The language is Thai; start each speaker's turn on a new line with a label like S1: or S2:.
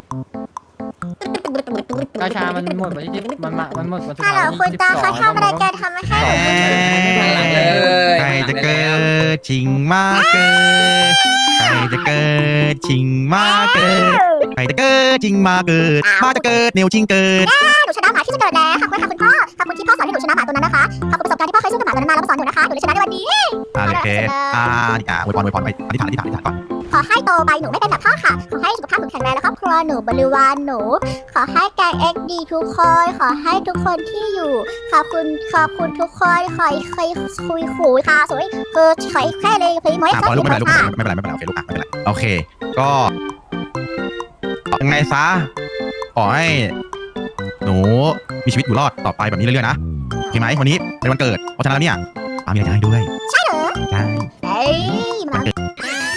S1: กาชามันหมดวันที่มันหมดวันสุด
S2: ฮัล
S1: ท้าย
S2: โหลคุณตาเขาทำอะไรกันทำให้ให้ผม
S3: หลังเลย
S4: ใครจะเกิดชิงมาเกิดใครจะเกิดชิงมาเกิดใครจะเกิดชิงมาเกิดมาจะเกิดเนวชิงเกิด
S2: หนูชนะหมาที่จะเกิดแล้วขอบคุณค่ะคุณพ่อขอบคุณที่พ่อสอนให้หนูชนะหมาตัวนั้นนะคะขอบคุณประสบการณ์ที่พ่อเคยสู้กับหมาตัวนั้นมาแล้วมาสอนหนูนะคะหนูเลยชนะในวันนี้
S4: โอเคอวยพรไปอธิษฐานก่อน
S2: ขอให้โตไปหนูไม่เป็นแบบพ่อค่ะขอให้สุขภาพหนูแข็งแรงและครอบครัวหนูบริวารหนู ขอให้แกงเอ็กดีทุกคนขอให้ทุกคนที่อยู่ขอบคุณทุกคนคอยคุยขู่ค่ะสวยคือคอยแค่เลยพี่มวย
S4: พอลูกไม่เป็นไรไม่เป็นไรโอเคลูกไม่เป็นไรโอเคก็ยังไงซะขอให้หนูมีชีวิตอยู่รอดต่อไปแบบนี้เรื่อยๆนะโอเคไหมวันนี้เป็นวันเกิดเพราะฉะนั้นแล้วเนี่ยมีอะไรจะให้ด้วย
S2: ใช่เหรอ
S4: ใช่
S2: เฮ้ยมา